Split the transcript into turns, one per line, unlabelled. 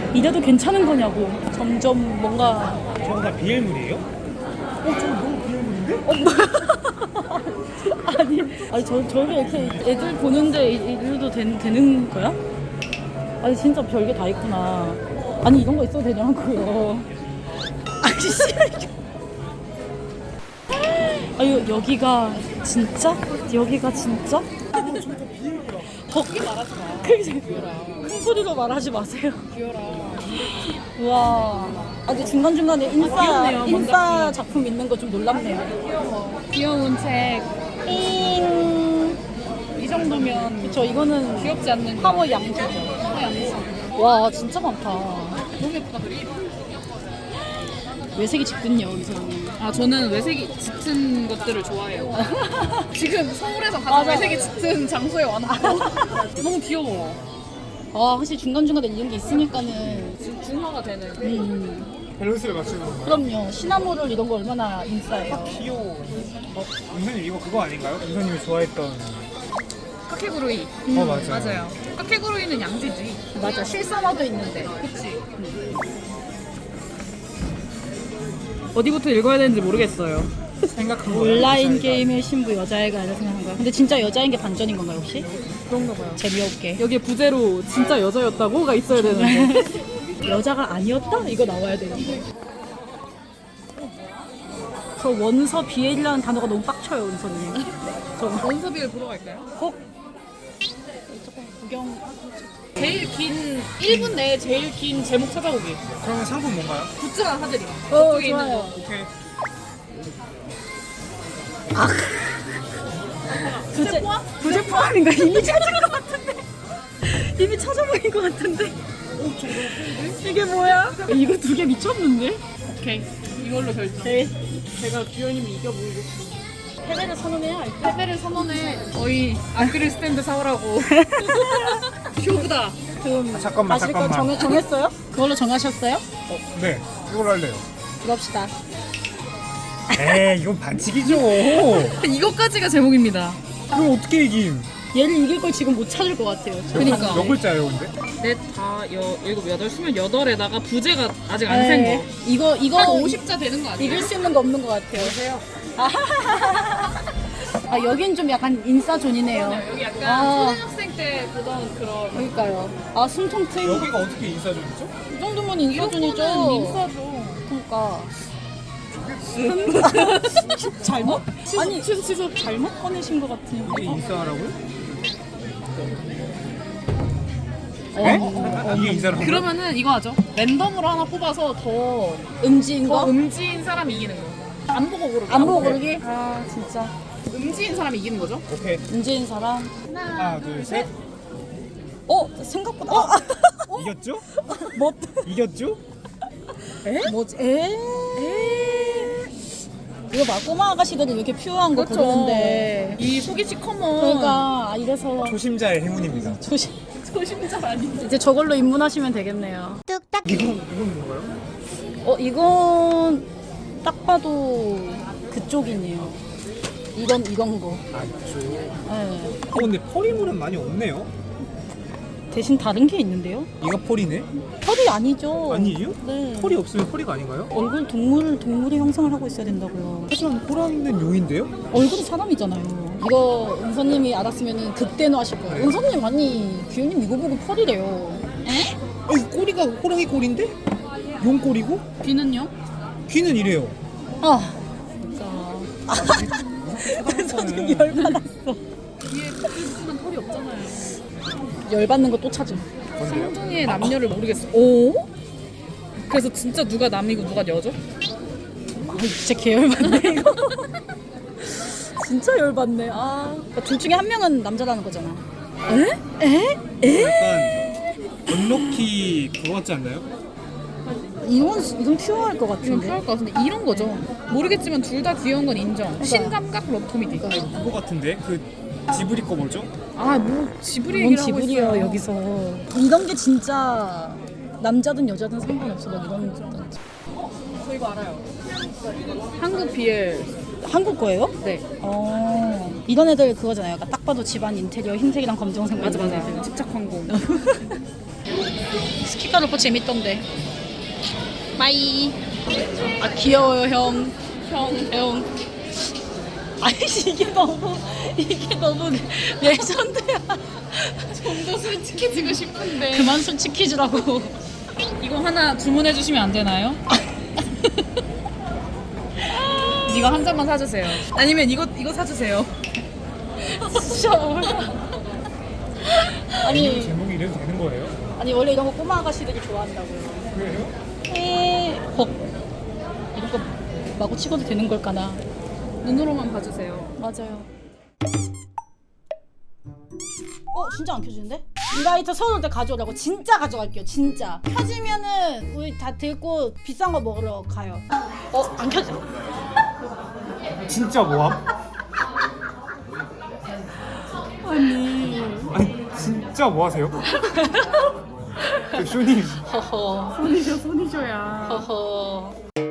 이래도 괜찮은 거냐고. 점점 뭔가.
저거 다 비엘물이에요? 저거 너무 비엘물인데?
아니 저게 이렇게 애들 보는데 이래도 되는 거야? 아니 진짜 별게 다 있구나. 아니 이런 거 있어도 되냐고요. 아니 씨. 아유 여기가 진짜? 여기가 진짜?
거기 말하지 마.
큰 소리로 말하지 마세요.
귀여라.
우와. 아주 중간중간에
귀엽네요,
인싸 작품 있는 거 좀 놀랍네요.
귀여운 책.
잉.
이 정도면
그쵸, 이거는
귀엽지 않는
파워 양지죠.
파워 양지.
와, 진짜 많다.
너무 예쁘다 그림.
외색이 짙군요, 이 사람은.
아 저는 외색이 짙은 것들을 좋아해요. 지금 서울에서 가장
맞아.
외색이 짙은 장소에 와놨고 너무 귀여워.
아, 확실히 중간중간에 이런 게 있으니까는.
지금 중화가 되는.
밸런스를 맞추는 건가요?
그럼요. 시나모롤 이런 거 얼마나 인싸예요.
귀여워. 은서님 이거 그거 아닌가요? 은서님이 좋아했던.
카케구루이.
맞아요.
맞아요. 카케구루이는 양지지.
맞아, 실사화도 있는데.
그치. 어디부터 읽어야 되는지 모르겠어요.
생각한 거.
온라인 게임의 신부 여자애가 아니라 생각한 거야. 근데 진짜 여자인 게 반전인 건가요, 혹시?
그런가 봐요.
재미없게.
여기에 부제로 진짜 여자였다고가 있어야 되는데.
여자가 아니었다? 이거 나와야 되는데. 저 원서 비엘이라는 단어가 너무 빡쳐요, 은서님. 저
원서비를 보러 갈까요?
꼭 조금 구경.
제일 긴 1분 내에 제일 긴 제목 찾아보기.
그러면 상품 뭔가요?
굿즈가 사드림. 저쪽에 있는
좋아요.
거.
오케이.
부재 포함인가? 이미 찾은 것 같은데. 이미 찾아보인 것 같은데. 이게 뭐야? 이거 두 개 미쳤는데?
오케이. 이걸로 결정.
네.
제가 규현님이 이겨보이겠습니다.
패배를 선언해야 할 때.
패배를 선언해. 저희 아크릴 스탠드 사오라고. 쇼부다.
그럼
잠깐만,
마실 거
잠깐만.
정했어요? 그걸로 정하셨어요?
네. 이걸로 할래요.
그럽시다.
에이, 이건 반칙이죠.
이것까지가 제목입니다.
그럼 어떻게 이김?
얘를 이길 걸 지금 못 찾을 것 같아요.
그러니까.
몇 글자예요, 근데?
넷, 다, 일곱, 여덟, 스물 여덟에다가 부제가 아직 안 센 거.
이거
한 50자 되는 거 아니에요?
이길 수 있는 거 없는 것 같아요. 아 여긴 좀 약간 인싸존이네요.
여기 약간
아.
초등학생 때 보던 그런.
그러니까요. 아 숨통 트인.
여기가 어떻게 인싸존이죠?
이 정도면 인싸존이죠.
인싸죠.
그러니까. 잘못? 아니 취소 잘못 꺼내신 것 같은.
이게 인싸라고요? 이게 인싸라고요?
그러면은 이거 하죠. 랜덤으로 하나 뽑아서 더
음지인 거?
음지인 사람이 이기는 거. 안 보고 고르기.
안 보고 고르기? 아 진짜.
음지인 사람이 이기는 거죠?
오케이.
음지인 사람.
하나, 둘, 셋.
생각보다.
이겼죠?
뭐?
이겼죠?
뭐지? 이거 봐, 꼬마 아가씨들은 이렇게 퓨어한 거
그렇죠.
고르는데.
이 속이시 커먼.
그러니까 이래서
초심자의 행운입니다.
소심자 아니지.
이제 저걸로 입문하시면 되겠네요.
이건 뭔가요?
이건 딱 봐도 그쪽이네요. 이건 거.
아, 있죠.
네.
근데 펄이물은 많이 없네요.
대신 다른 게 있는데요?
얘가 펄이네?
펄이 아니죠.
아니에요?
네.
펄이 없으면 펄이가 아닌가요?
얼굴 동물의 형상을 하고 있어야 된다고요.
하지만 호랑이는 용인데요?
얼굴이 사람이잖아요. 이거 은서님이 알았으면 그때는 하실 거예요. 은서님 아니 규현님 이거 보고 펄이래요. 에?
아니 꼬리가 호랑이 꼬리인데? 용 꼬리고?
귀는요?
귀는 이래요.
아 진짜. 은서님 열받았어.
뒤에 푸른 털이 없잖아요.
열받는 거 또 찾음.
뭔데요?
쌍둥이의 남녀를 모르겠어. 오? 그래서 진짜 누가 남이고 누가 여죠?
아 진짜 개 열받네 이거. 진짜 열받네. 둘 중에 한 명은 남자라는 거잖아. 에?
약간 언럭키 그거 같지 않나요?
이건 퓨어할 것
이건
같은데.
필요할 것 같은데 이런 거죠. 모르겠지만 둘 다 귀여운 건 인정. 신감각 러브코미디.
그거 같은데? 그 지브리 거 뭐죠?
아 뭐 지브리
뭔
얘기를 하고
지불이야
있어요.
여기서. 이런 게 진짜 남자든 여자든 상관없어. 막 이런 거.
저 이거 알아요. 한국 BL.
한국 거예요?
네.
이런 애들 그거잖아요. 약간 딱 봐도 집안 인테리어 흰색이랑 검정색.
맞아.
이런 거.
집착 광고.
스키카 로퍼 재밌던데. 빠이. 아 귀여워요 형. 형. 아이씨 이게 너무 레전드야.
좀 더 솔직해지고 싶은데.
그만 솔직해지라고.
이거 하나 주문해 주시면 안 되나요? 이거 한 잔만 사주세요. 아니면 이거 사주세요.
진짜 뭐야. 아니
제목이 이래도 되는 거예요?
아니 원래 이런 거 꼬마 아가씨들이 좋아한다고요.
그래요?
이런 거 마구 치고도 되는 걸까나.
눈으로만 봐주세요.
맞아요. 진짜 안 켜지는데? 이 라이터 서울 때 가져오라고. 진짜 가져갈게요. 진짜 켜지면은 우리 다 들고 비싼 거 먹으러 가요. 안 켜져.
진짜 모함? 아니 진짜 뭐 하세요? 쇼님
허허.
손이셔야.
허허.